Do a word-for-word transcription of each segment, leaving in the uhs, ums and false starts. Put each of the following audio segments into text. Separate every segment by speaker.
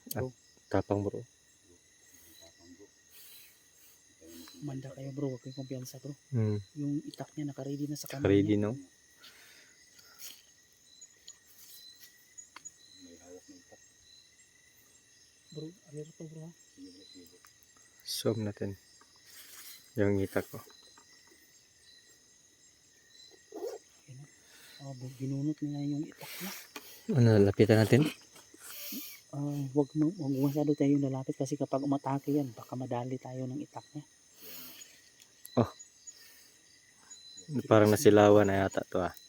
Speaker 1: Bro.
Speaker 2: Tapang bro.
Speaker 1: Manda kayo bro, huwag kayong kumpiyansa bro.
Speaker 2: Hmm.
Speaker 1: Yung itak niya nakaready na sa kamay
Speaker 2: Ready
Speaker 1: niya.
Speaker 2: no?
Speaker 1: Bro, alerto bro ha.
Speaker 2: Zoom natin. Yung itak ko.
Speaker 1: Oh, binunot nila yung itak niya.
Speaker 2: Ano, lapitan natin?
Speaker 1: Uh, wag, wag masyado tayo lalapit kasi kapag umatake yan, baka madali tayo ng itak niya.
Speaker 2: Oh. Parang nasilawan na yata to ah.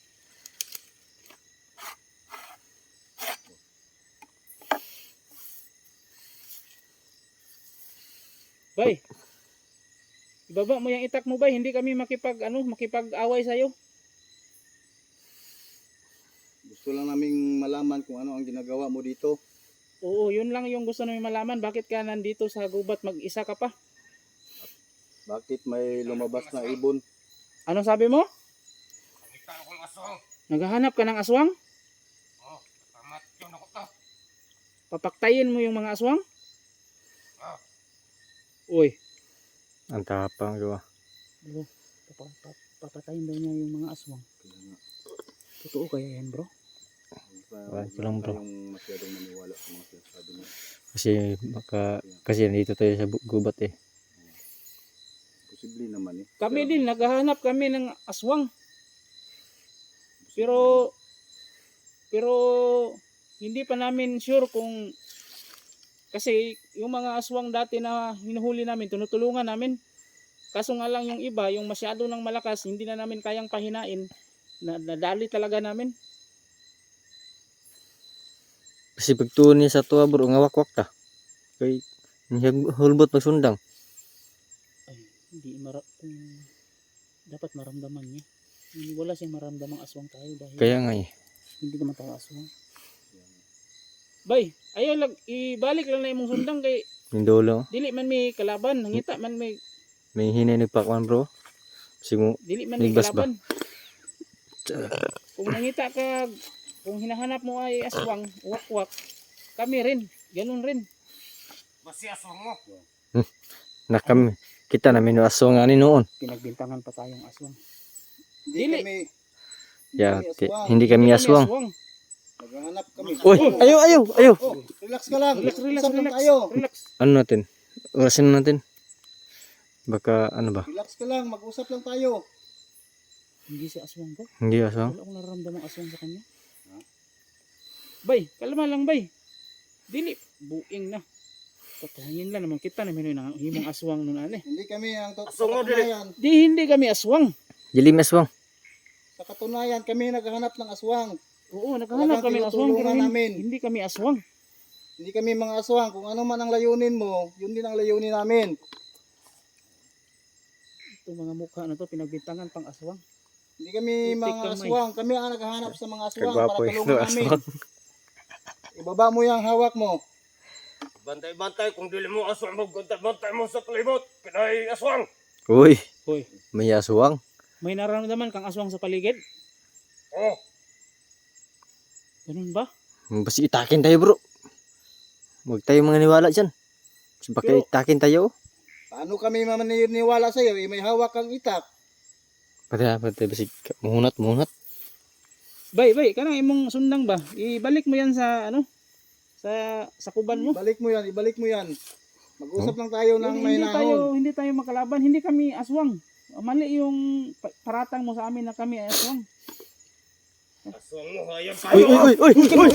Speaker 1: Bay, ibaba mo yung itak mo bay, hindi kami makipag ano, makipag-away sa iyo.
Speaker 3: Gusto lang naming malaman kung ano ang ginagawa mo dito.
Speaker 1: Oo, yun lang yung gusto namin malaman. Bakit ka nandito sa gubat, mag-isa ka pa?
Speaker 3: Bakit may lumabas na ibon?
Speaker 1: Ano sabi mo?
Speaker 4: Nakita akong aswang.
Speaker 1: Naghahanap ka ng aswang?
Speaker 4: Oh, tamat yun ako to.
Speaker 1: Papaktayin mo yung mga aswang?
Speaker 4: Ah.
Speaker 1: Uy.
Speaker 2: Ang tapang diba?
Speaker 1: Bro, papa- papa- papatayin daw niya yung mga aswang. Totoo kaya yan bro?
Speaker 2: Wala ko lang bro.
Speaker 3: Yung masyadong maniwala sa mga sinasabi mo.
Speaker 2: Kasi baka kasi nandito tayo sa bu- gubat eh.
Speaker 3: Posible naman eh.
Speaker 1: Kami
Speaker 3: Pero-
Speaker 1: din, naghahanap kami ng aswang. Pero, pero hindi pa namin sure kung, kasi yung mga aswang dati na hinuhuli namin, tinutulungan namin. Kaso nga lang yung iba, yung masyado ng malakas, hindi na namin kayang pahinain. Na, nadali talaga namin.
Speaker 2: Kasi pagtuon niya sa tuwa bro, ngawakwak ta. Kay niya hulbot magsundang.
Speaker 1: Ay, hindi mara um, dapat maramdaman niya. Hindi, wala siyang maramdamang aswang tayo dahil
Speaker 2: Kaya nga eh.
Speaker 1: hindi naman tayo aswang. Bay, ayaw lang, ibalik lang na imong sundang kay
Speaker 2: Yung dulo.
Speaker 1: dili man may kalaban, nangita man may
Speaker 2: May hinay nagpakwan bro. Kasi mo
Speaker 1: dili man may
Speaker 2: Ligbas ba?
Speaker 1: kalaban. Kung nangita ka, kung hinahanap mo ay aswang, wak-wak, kami rin, ganun rin.
Speaker 4: Basi aswang mo.
Speaker 2: nakam kita namin yung aswang ani noon.
Speaker 1: Pinagbintangan pa tayong aswang.
Speaker 3: Hindi
Speaker 1: Dili.
Speaker 3: kami,
Speaker 2: Yeah,
Speaker 3: kami
Speaker 2: ti-
Speaker 3: aswang.
Speaker 2: hindi kami aswang.
Speaker 3: Naghahanap kami.
Speaker 2: Uy, ayo ayo ayo.
Speaker 3: Oh, relax ka lang.
Speaker 1: Relax, relax,
Speaker 3: Usap lang
Speaker 1: relax.
Speaker 3: tayo.
Speaker 1: Relax.
Speaker 2: Ano natin? Orasin natin. Baka ano ba?
Speaker 3: Relax ka lang, mag-usap lang tayo.
Speaker 1: Hindi si aswang ba?
Speaker 2: Hindi aswang.
Speaker 1: Wala akong nararamdamang aswang sa kanya. Bay, kalma lang bay. Dili, buing na. Patayin lang naman kita namin yung himong aswang nun ane.
Speaker 3: Hindi kami ang to- sa
Speaker 4: Aswang mo, dili.
Speaker 3: katunayan.
Speaker 1: Di, hindi kami aswang.
Speaker 2: Dilim aswang.
Speaker 3: Sa katunayan, kami naghahanap ng aswang.
Speaker 1: Oo, naghahanap
Speaker 3: Talagang
Speaker 1: kami ng aswang pero
Speaker 3: tinutulungan
Speaker 1: hindi,
Speaker 3: namin.
Speaker 1: hindi kami aswang.
Speaker 3: Hindi kami mga aswang. Kung ano man ang layunin mo, yun din ang layunin namin.
Speaker 1: Itong mga mukha na to, pinagbintangan pang aswang.
Speaker 3: Hindi kami
Speaker 1: Putik
Speaker 3: mga
Speaker 1: kamay.
Speaker 3: aswang. Kami ang naghahanap sa mga aswang
Speaker 2: Kagwapo
Speaker 3: para
Speaker 2: yung
Speaker 3: tulungan namin.
Speaker 2: aswang.
Speaker 3: Ibaba mo yung hawak mo.
Speaker 4: Bantay-bantay kung dili mo aswang mo, bantay-bantay mo sa palibot. Pinay aswang.
Speaker 2: Uy,
Speaker 1: Hoy,
Speaker 2: may aswang.
Speaker 1: may nararamdaman kang aswang sa paligid?
Speaker 4: Oh,
Speaker 1: Ganun ba?
Speaker 2: Basta itakin tayo bro. Huwag tayo mga niwala dyan. Kasi baka
Speaker 1: Pero-
Speaker 2: itakin tayo.
Speaker 3: Paano kami maniniwala sa iyo? Eh, may hawak kang itak.
Speaker 2: Pati pati basi muhunat muhunat.
Speaker 1: Bay, bay, kanang imong sundang ba? Ibalik mo yan sa ano? Sa sa kuban mo.
Speaker 3: Ibalik mo yan, ibalik mo yan. Mag-usap lang tayo ng
Speaker 1: Hindi,
Speaker 3: may
Speaker 1: hindi tayo,
Speaker 3: nahon.
Speaker 1: hindi tayo makalaban, hindi kami aswang. Mali yung pa- paratang mo sa amin na kami ay aswang.
Speaker 4: aswang mo, hayag
Speaker 2: Uy
Speaker 4: tayo.
Speaker 2: uy uy uy.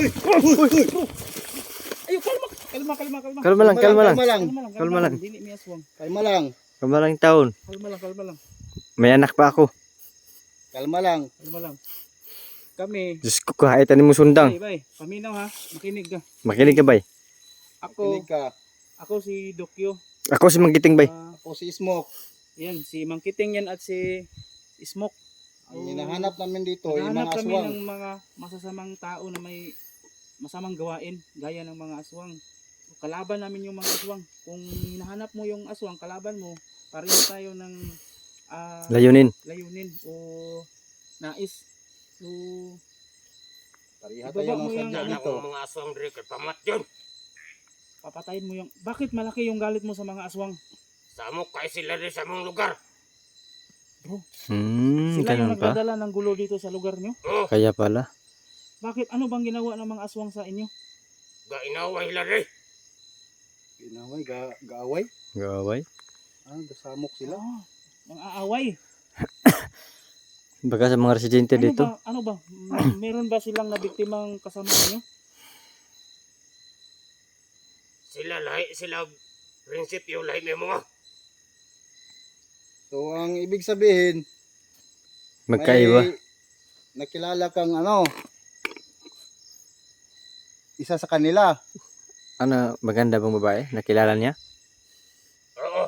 Speaker 1: Ayo, kalma, kalma, kalma, kalma.
Speaker 2: Kalma lang, kalma lang.
Speaker 3: Kalma lang.
Speaker 1: Kalma lang,
Speaker 2: Kalma lang.
Speaker 1: Dili mi aswang.
Speaker 3: Kalma lang.
Speaker 2: Kalma lang taon.
Speaker 1: Kalma lang, kalma lang.
Speaker 2: May anak pa ako.
Speaker 3: Kalma lang.
Speaker 1: Kalma lang. Kami,
Speaker 2: Diyos ko, kahit ano mo sundang.
Speaker 1: bay, bay, paminaw ha, makinig ka.
Speaker 2: Makinig ka bay.
Speaker 1: Ako,
Speaker 3: Kinig ka.
Speaker 1: ako si Dokyo.
Speaker 2: Ako si Magiting bay.
Speaker 1: Ah,
Speaker 3: Ako si Smoke.
Speaker 1: yan, si Mangkiting yan at si Smoke.
Speaker 3: Ang hinahanap namin dito, yung
Speaker 1: Naghahanap
Speaker 3: mga
Speaker 1: kami
Speaker 3: aswang.
Speaker 1: ng mga masasamang tao na may masamang gawain, gaya ng mga aswang. Kalaban namin yung mga aswang. Kung hinahanap mo yung aswang, kalaban mo, pareho tayo ng ah,
Speaker 2: Layunin.
Speaker 1: layunin o nais. So,
Speaker 3: Pariha
Speaker 1: Ibaba
Speaker 3: tayo
Speaker 1: mo
Speaker 3: ng
Speaker 1: yung
Speaker 3: sadya
Speaker 4: Yan
Speaker 3: dito.
Speaker 4: ang mga aswang diri kay pamat yun.
Speaker 1: Papatayin mo yung... Bakit malaki yung galit mo sa mga aswang?
Speaker 4: Samok kay sila rin sa mong lugar.
Speaker 1: Bro,
Speaker 2: Hmm,
Speaker 1: sila yung
Speaker 2: ganun pa.
Speaker 1: nagdadala ng gulo dito sa lugar nyo.
Speaker 4: Oh,
Speaker 2: Kaya pala.
Speaker 1: Bakit? Ano bang ginawa ng mga aswang sa inyo?
Speaker 4: gainaway sila rin.
Speaker 3: Ginaway, ga, gaaway.
Speaker 2: Gaway.
Speaker 3: Ah, gasamok sila.
Speaker 1: Oh, mga aaway.
Speaker 2: Baka sa mga residente
Speaker 1: Ano
Speaker 2: dito.
Speaker 1: ba? Ano ba? May- meron ba silang nabiktimang kasama ninyo?
Speaker 4: Sila lahi, sila prinsipyo lahi may mga.
Speaker 3: So, ang ibig sabihin,
Speaker 2: Magkaiba.
Speaker 3: may nakilala kang ano, isa sa kanila.
Speaker 2: Ano, maganda bang babae? Nakilala niya?
Speaker 4: Oo.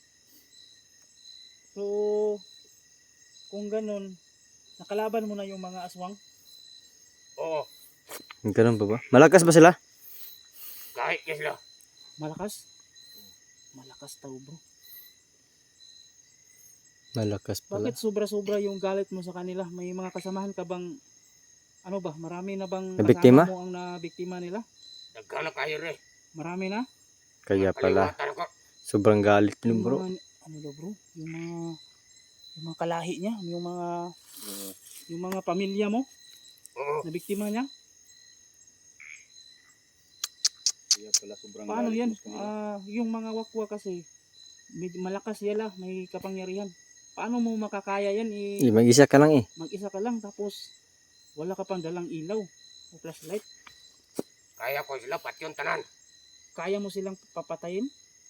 Speaker 1: So, kung ganun, nakalaban mo na yung mga aswang?
Speaker 4: Oo.
Speaker 2: Ganun pa ba? Malakas ba sila?
Speaker 4: Kahit na sila.
Speaker 1: Malakas? Malakas tao bro.
Speaker 2: Malakas pala.
Speaker 1: Bakit sobra-sobra yung galit mo sa kanila? May mga kasamahan ka bang, ano ba, marami na bang
Speaker 2: Nabiktima?
Speaker 1: kasama mo ang nabiktima nila?
Speaker 4: Nagkana kayo rin.
Speaker 1: Marami na?
Speaker 2: Kaya pala.
Speaker 4: Kaliwatan ko.
Speaker 2: Sobrang galit
Speaker 1: Yung
Speaker 2: nun bro.
Speaker 1: mga, ano daw bro? Yung mga, yung mga kalahi niya, yung mga, yung mga pamilya mo,
Speaker 4: Oo.
Speaker 1: na biktima niya?
Speaker 3: Kaya pala sobrang
Speaker 1: Paano
Speaker 3: galit
Speaker 1: yan?
Speaker 3: mo sa kanila.
Speaker 1: Ah, yung mga wakwa kasi, may, malakas yala, may kapangyarihan. Paano mo makakaya yan? I,
Speaker 2: Eh, mag-isa ka lang eh.
Speaker 1: mag-isa ka lang tapos wala ka pang dalang ilaw o flashlight.
Speaker 4: Kaya ko sila pati yung tanan.
Speaker 1: Kaya mo silang papatayin?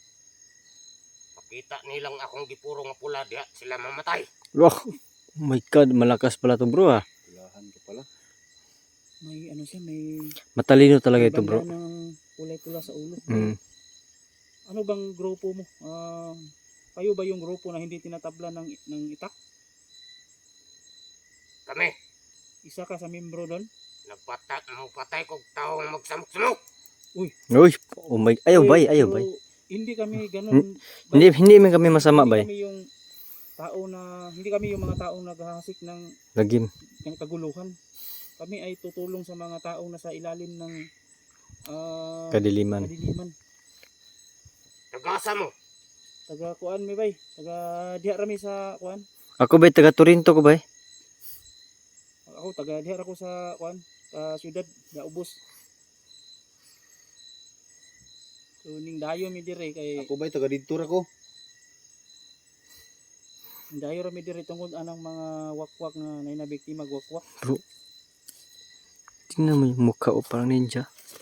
Speaker 4: Makita nilang akong gipuro nga pula diha sila mamatay.
Speaker 2: Wow. Oh my God, malakas pala to bro ah.
Speaker 3: Kailangan ka pala.
Speaker 1: May ano siya, may
Speaker 2: Matalino talaga
Speaker 1: may
Speaker 2: ito bro.
Speaker 1: banda ng kulay pula sa ulo.
Speaker 2: Mm.
Speaker 1: Ano bang grupo mo? Ah, kayo ba yung grupo na hindi tinatabla ng, ng itak?
Speaker 4: Kami,
Speaker 1: Isa ka sa membro doon?
Speaker 4: nagpatay, magpatay kong taong magsamok-samok.
Speaker 2: Uy, oh my, ayaw
Speaker 1: Pero-
Speaker 2: bay, ayaw
Speaker 1: pero
Speaker 2: bay.
Speaker 1: Hindi kami ganun.
Speaker 2: Hindi, hindi man kami masama
Speaker 1: hindi
Speaker 2: bay.
Speaker 1: kami yung tao na, hindi kami yung mga taong naghahasik ng
Speaker 2: Lagim.
Speaker 1: ng kaguluhan. Kami ay tutulong sa mga taong nasa ilalim ng ah,
Speaker 2: Kadiliman.
Speaker 1: kadiliman.
Speaker 4: Nagasa mo.
Speaker 1: Taga kuan mi bay, taga diha rami sa kuan.
Speaker 2: Ako bay, taga Torinto ko bay.
Speaker 1: Ako taga diha ako sa kuan, sa syudad Gaubos. So ning dayo mi dire kay
Speaker 3: Ako ba'y taga dito ko?
Speaker 1: ning dayo ra mi dire tungod anang mga wakwak na nay nabiktima wakwak.
Speaker 2: Tingnan mo yung mukha o parang ninja.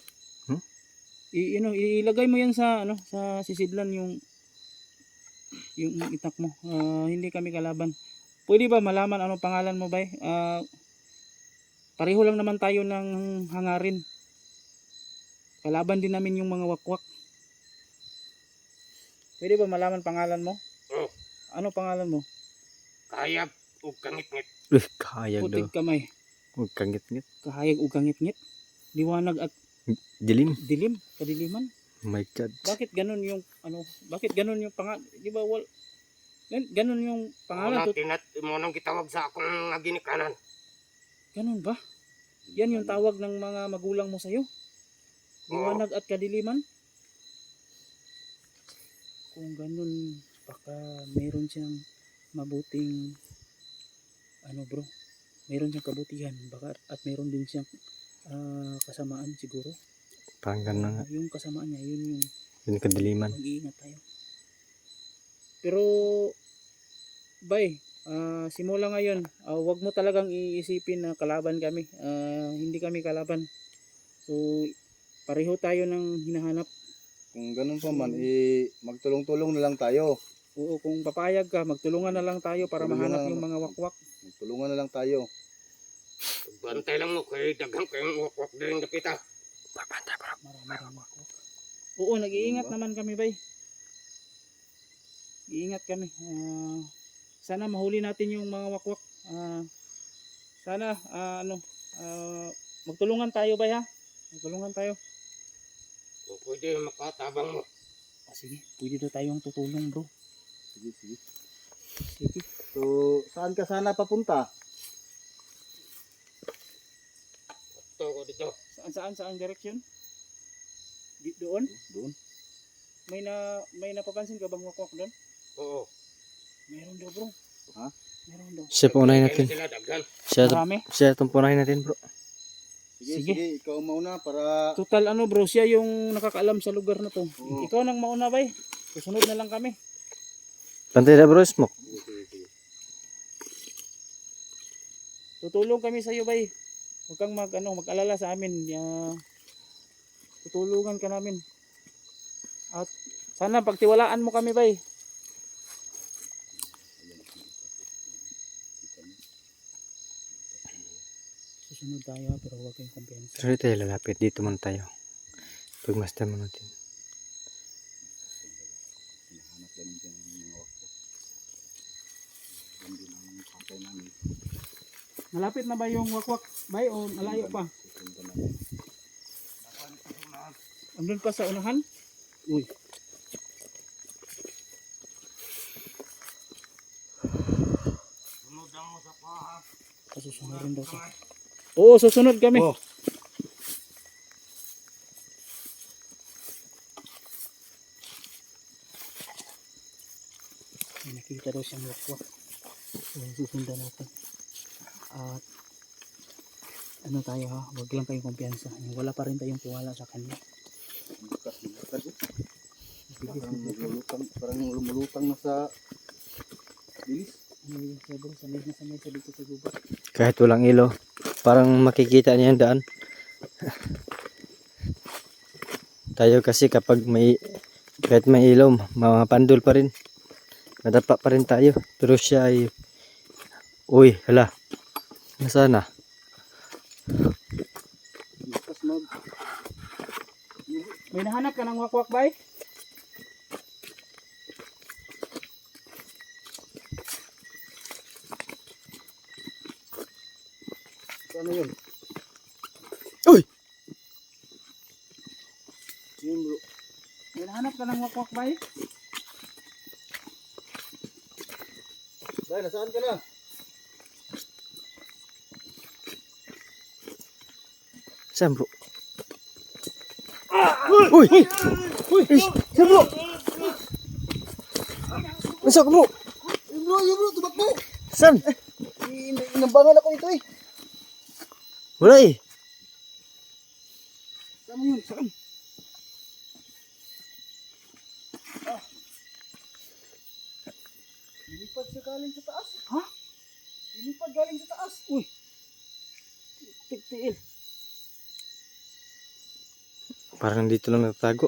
Speaker 1: I, ano, ilagay mo yan sa ano sa sisidlan yung yung itak mo. Ah, hindi kami kalaban. Pwede ba malaman anong pangalan mo bay? Ah, pareho lang naman tayo ng hangarin. Kalaban din namin yung mga wakwak. Pwede ba malaman pangalan mo?
Speaker 4: Oo.
Speaker 1: Ano pangalan mo?
Speaker 4: Kaya o kangit-ngit.
Speaker 2: Uy, kahayag daw.
Speaker 1: Putik kamay.
Speaker 2: Huwag kangit-ngit.
Speaker 1: Kahayag ug kangit-ngit. Liwanag at
Speaker 2: Dilim.
Speaker 1: dilim, kadiliman.
Speaker 2: Oh my God.
Speaker 1: Bakit ganun yung ano? Bakit ganun yung pangalan? Di ba wal gan- ganun yung pangalan?
Speaker 4: Wala
Speaker 1: Tut-
Speaker 4: tinat mo nang gitawag sa akong nga ginikanan.
Speaker 1: Ganun ba? Yan yung tawag ng mga magulang mo sa'yo? Liwanag at kadiliman? Kung ganun, baka meron siyang mabuting ano bro, meron siyang kabutihan baka at meron din siyang ah, kasamaan siguro.
Speaker 2: Parang ganun nga.
Speaker 1: Ah, yung kasamaan niya, yun yung
Speaker 2: Yung kadiliman.
Speaker 1: mag-iingat tayo. Pero bay, ah, simula ngayon, ah, wag mo talagang iisipin na kalaban kami. Ah, hindi kami kalaban. So pareho tayo ng hinahanap.
Speaker 3: Kung ganun pa man, eh, magtulong-tulong na lang tayo.
Speaker 1: Oo, kung papayag ka, magtulungan na lang tayo para
Speaker 3: Tulungan
Speaker 1: mahanap
Speaker 3: na-
Speaker 1: yung mga wakwak.
Speaker 3: Magtulungan na lang tayo.
Speaker 4: Bantay lang mo kay daghang kayong wakwak din dapita.
Speaker 1: Marami marami wakwak. Oo, nag-iingat
Speaker 3: Ano ba?
Speaker 1: naman kami bay. Iingat kami. Ah, sana mahuli natin yung mga wakwak. Ah, sana ah, ano, ah, magtulungan tayo bay ha. Magtulungan tayo.
Speaker 4: Kung pwede makatabang mo.
Speaker 1: Ah, sige, pwede daw tayong tutulong bro.
Speaker 3: Sige, sige.
Speaker 1: Sige.
Speaker 3: So, saan ka sana papunta?
Speaker 4: Ito ko dito.
Speaker 1: Saan saan saan direction? Di, doon?
Speaker 3: Doon.
Speaker 1: May na may napapansin ka bang wakwak doon?
Speaker 4: Oo.
Speaker 1: Meron daw bro.
Speaker 3: Ha?
Speaker 1: Meron daw.
Speaker 2: Siya punahin natin.
Speaker 4: Sila daghan.
Speaker 2: Siya,
Speaker 1: Marami.
Speaker 2: siya itong punahin natin bro.
Speaker 3: Sige,
Speaker 1: Sige.
Speaker 3: sige, ikaw mauna para
Speaker 1: Total ano bro, siya yung nakakaalam sa lugar na to.
Speaker 3: Oo.
Speaker 1: Ikaw nang mauna bay. Susunod na lang kami.
Speaker 2: Pantay na bro, smoke.
Speaker 1: Tutulong kami sa iyo bay. Huwag kang mag ano, mag-alala sa amin. Ya, tutulungan ka namin. At sana pagtiwalaan mo kami bay. Susunod tayo pero huwag kayong kumpiyansa.
Speaker 2: Sorry tayo lalapit. Dito muna tayo. Pagmasdan mo natin.
Speaker 3: hinahanap namin dyan ng mga wakbo. Yan din ang patay namin.
Speaker 1: Malapit na ba yung wakwak bay o malayo pa?
Speaker 3: Susundan namin.
Speaker 1: Andun pa sa unahan? Uy.
Speaker 4: Sunod mo sa paha.
Speaker 1: Susunod rin daw sa... Oo, susunod kami.
Speaker 3: Oh.
Speaker 1: May nakita daw siyang wakwak. So, susundan natin. At ano tayo ha, wag lang kayong kumpiyansa. Wala pa rin tayong tiwala sa kanya.
Speaker 3: Bukas, bukas eh. Parang lumulutang, parang lumulutang na sa bilis.
Speaker 1: Ay, sobrang sanay na sanay sa dito sa gubat.
Speaker 2: Kahit walang ilaw. Parang makikita niya yung daan. Tayo kasi kapag may kahit may ilaw, mga pandol pa rin. Madapa pa rin tayo. Pero siya ay uy, hala. Nasaan na?
Speaker 3: Bukas mag...
Speaker 1: May nahanap ka ng wakwak bay?
Speaker 3: Ano yun?
Speaker 2: Uy!
Speaker 3: Yun bro.
Speaker 1: May nahanap ka ng wakwak bay?
Speaker 3: Dahil, nasaan ka na?
Speaker 2: Saan bro? Uy! Uy! Saan bro? Masok bro!
Speaker 3: Yun bro, yun bro, tumakbo!
Speaker 2: Saan?
Speaker 3: In- Inambangan ako ito eh.
Speaker 2: Wala eh.
Speaker 3: Saan yun? Saan? Ah. Lilipad siya galing sa taas.
Speaker 1: Ha?
Speaker 3: Lilipad galing sa taas.
Speaker 1: Uy! Tigtiil.
Speaker 2: Parang dito lang natago.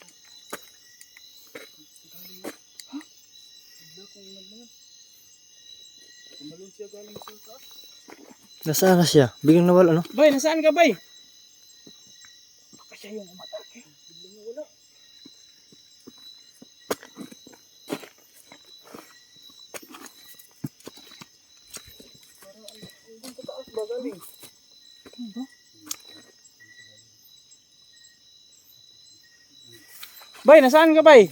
Speaker 3: Bigla kong inambangan. Tumalon siya galing sa taas.
Speaker 2: Nasaan na siya? Biglang nawala no?
Speaker 1: Bay, nasaan ka bay? Baka siya yung umatake.
Speaker 3: Biglang nawala. Parang ang hanggang sa taas ba galing?
Speaker 1: Ano ba? Bay, nasaan ka bay?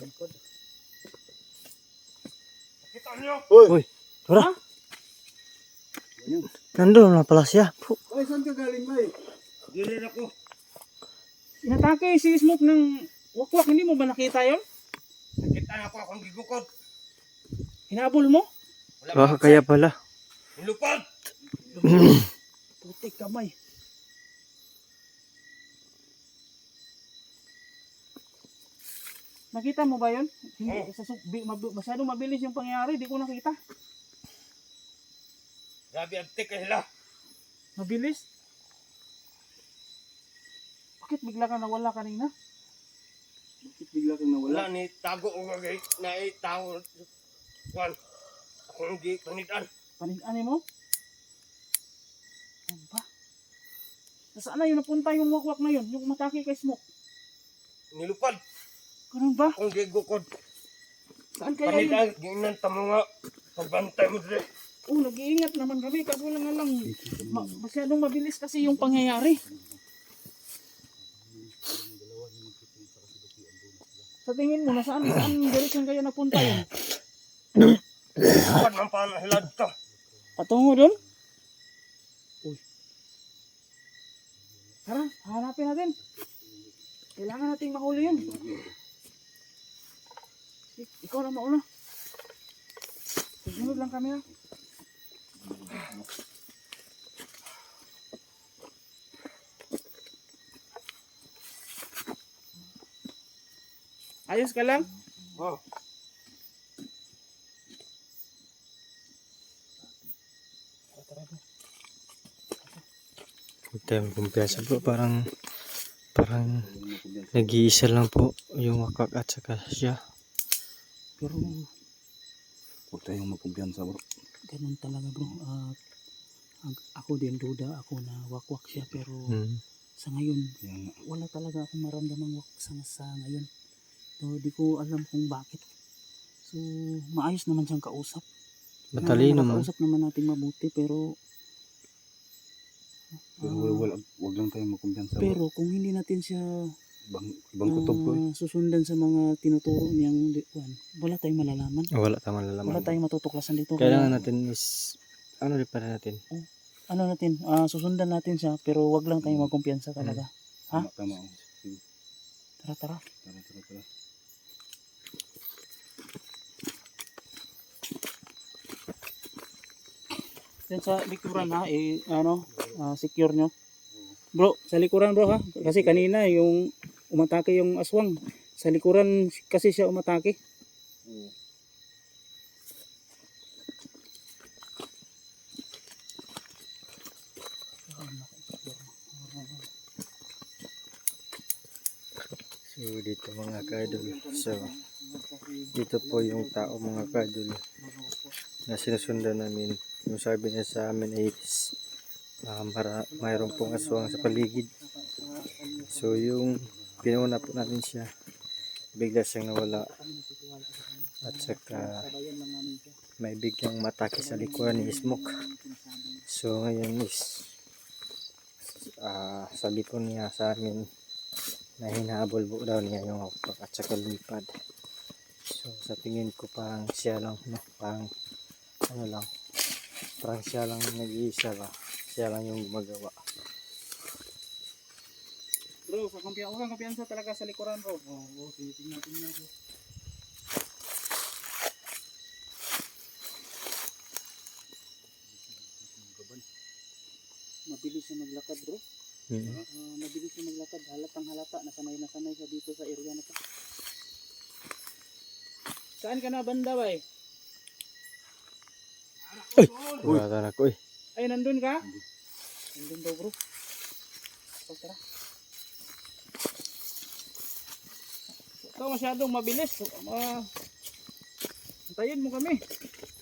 Speaker 4: Kita niyo.
Speaker 2: Uy! Tara!
Speaker 1: Ha?
Speaker 3: Ayun.
Speaker 2: Nandun na pala siya. Puh.
Speaker 3: Ay, saan ka galing ba eh?
Speaker 4: Dili na ko.
Speaker 1: Inatake si Smoke ng wakwak. Hindi mo ba nakita yon?
Speaker 4: Nakita na ko akong gigukod.
Speaker 1: Hinabol mo?
Speaker 4: Wala
Speaker 2: Baka
Speaker 4: ba?
Speaker 2: kaya pala.
Speaker 4: Nilupad.
Speaker 1: Putik kamay. Nakita mo ba yun? Hindi,
Speaker 4: Oo.
Speaker 1: sa, su- bi- mab- masyadong mabilis yung pangyayari. Di ko nakita.
Speaker 4: Grabe abtik ka sila.
Speaker 1: Mabilis? Bakit bigla ka nawala kanina?
Speaker 3: Bakit bigla kang
Speaker 4: Wala
Speaker 3: nawala?
Speaker 4: ni tago o gagay na itaw. Kwan. Ako hindi panitan.
Speaker 1: Panig-ani mo? Ano ba? Nasaan na yun napunta yung wakwak na yun? Yung matake kay Smoke?
Speaker 4: Nilupad.
Speaker 1: Ganun ba?
Speaker 4: Akong gigukod.
Speaker 1: Saan kaya yun?
Speaker 4: Panitan. Ginan tamo nga. Pagbantay mo dili.
Speaker 1: Oh, nag-iingat naman kami. Kaso lang nga lang. Ma- masyadong mabilis kasi yung pangyayari. Sa tingin mo, nasaan, saan direction kayo napunta yun?
Speaker 4: Lupad man pa na hilad ka.
Speaker 1: Patungo doon? Uy. Tara, hanapin natin. Kailangan nating mahuli yan. Ik- Ikaw na mauna. Susunod lang kami ha. Ayos ka lang?
Speaker 3: Oh.
Speaker 2: Huwag tayong kumpiyansa bro. Parang, parang nag-iisa lang po yung wakak at saka siya.
Speaker 1: Pero
Speaker 3: Huwag tayong magkumpiyansa bro.
Speaker 1: ganun talaga bro. Ah, ag- ako din duda ako na wakwak siya pero
Speaker 2: Hmm.
Speaker 1: sa ngayon
Speaker 3: Kaya nga.
Speaker 1: wala talaga akong maramdamang wak sa, sa ngayon. So di ko alam kung bakit. So maayos naman siyang kausap.
Speaker 2: Matalino
Speaker 1: Na,
Speaker 2: man.
Speaker 1: nakakausap naman natin mabuti pero
Speaker 3: Pero
Speaker 1: ah,
Speaker 3: wala, wala, huwag lang tayong magkumpiyansa bro.
Speaker 1: pero kung hindi natin siya
Speaker 3: Ibang, ibang kutob ko eh.
Speaker 1: ah, susundan sa mga tinuturo niyang di- kuwan, wala tayong malalaman.
Speaker 2: Wala tayong malalaman.
Speaker 1: Wala tayong matutuklasan dito.
Speaker 2: Kailangan
Speaker 1: Kaya,
Speaker 2: natin is, ano rin pa rin natin.
Speaker 1: ano natin, ah, susundan natin siya pero wag lang tayong magkumpiyansa talaga. Ha?
Speaker 3: Tama, tama. oh. Sige,
Speaker 1: Tara, tara.
Speaker 3: tara, tara, tara.
Speaker 1: Yan sa likuran ha, eh, ano, ah, secure nyo. Bro, sa likuran bro ha. Kasi kanina yung umatake yung aswang. Sa likuran kasi siya umatake.
Speaker 3: Oo.
Speaker 2: So dito mga kadol. So dito po yung tao mga kadol na sinusundan namin. Yung sabi niya sa amin ay uh, mara, mayroon pong aswang sa paligid. So yung pinuna po namin siya, bigla siyang nawala. At saka may biglang matake sa likuran ni Smoke. So ngayon is ah, sabi po niya sa amin na hinahabol po daw niya yung hukpak at saka lipad. So sa tingin ko parang siya lang, no? Parang ano lang, parang siya lang nag-iisa ba, siya lang yung gumagawa.
Speaker 1: Bro, sa kumpiyansa, kang kumpiyansa talaga sa likuran bro. Oo, oh, okay, tingnan tingnan bro. Mabilis siya maglakad bro.
Speaker 2: Mm.
Speaker 1: Ah, mabilis siya maglakad. Halatang halata. Nasanay na sanay siya dito sa area na to. Saan ka na banda ba eh?
Speaker 2: Wala na ko eh.
Speaker 1: Ay, nandun ka? Nandun daw bro. So, tara. Ikaw masyadong mabilis. Uh, antayin mo kami.